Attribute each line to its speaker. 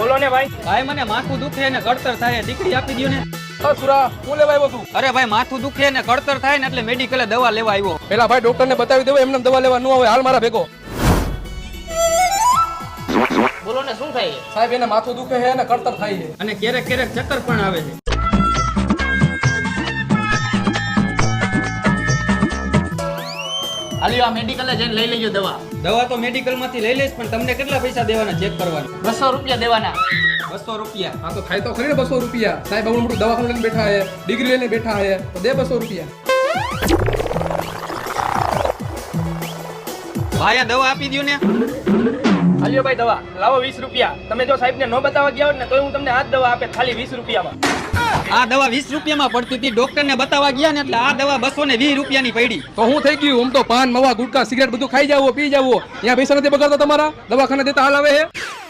Speaker 1: બોલો ને ભાઈ.
Speaker 2: ભાઈ મને માથું દુખે ને કળતર થાય, દીકરી આપી દો ને.
Speaker 3: સુરા હું લેવા આવ્યો છું?
Speaker 2: અરે ભાઈ માથું દુખે ને કળતર થાય ને એટલે મેડિકલે દવા લેવા આવ્યો.
Speaker 3: પેલા ભાઈ ડોક્ટર ને બતાવી દેવો, એમને દવા લેવા ન આવે. હાલ મારા ભેગો.
Speaker 1: બોલો ને શું થાય?
Speaker 3: સાહેબ એને માથું દુખે છે અને કળતર થાય છે.
Speaker 2: અને ક્યારેક ક્યારેક ચક્કર પણ આવે છે.
Speaker 1: હાલી આ મેડિકલે જઈને લઈ લેજો દવા.
Speaker 2: દવા તો મેડિકલ માંથી લઈ લઈશ, પણ તમને કેટલા પૈસા દેવાના ચેક કરવાના?
Speaker 1: 200 રૂપિયા દેવાના.
Speaker 2: 200 રૂપિયા.
Speaker 3: હા તો થાય તો ખરી ને 200 રૂપિયા. સાહેબ આવડું મોટું દવાખાનું લઈને બેઠા છે, ડિગ્રી લઈને બેઠા છે, તો દે 200 રૂપિયા.
Speaker 2: ભાઈ આ દવા આપી દો ને.
Speaker 1: હાલ્યો ભાઈ દવા લાવો 20 રૂપિયા. તમે જો સાહેબ ને ન બતાવવા ગયા હોત ને તોય હું તમને આ જ દવા આપે ખાલી 20 રૂપિયામાં.
Speaker 2: આ દવા 20 રૂપિયામાં પડતી હતી, ડોક્ટર ને બતાવવા ગયા ને એટલે આ દવા 220 રૂપિયાની પડી.
Speaker 3: તો હું થઈ ગયું? આમ તો પાન મવા ગુટકા સિગરેટ બધું ખાઈ જાવો, પી જાવો. અહીંયા પૈસા નથી બગાડતા તમારા? દવાખાને દેતા હાલ આવે છે.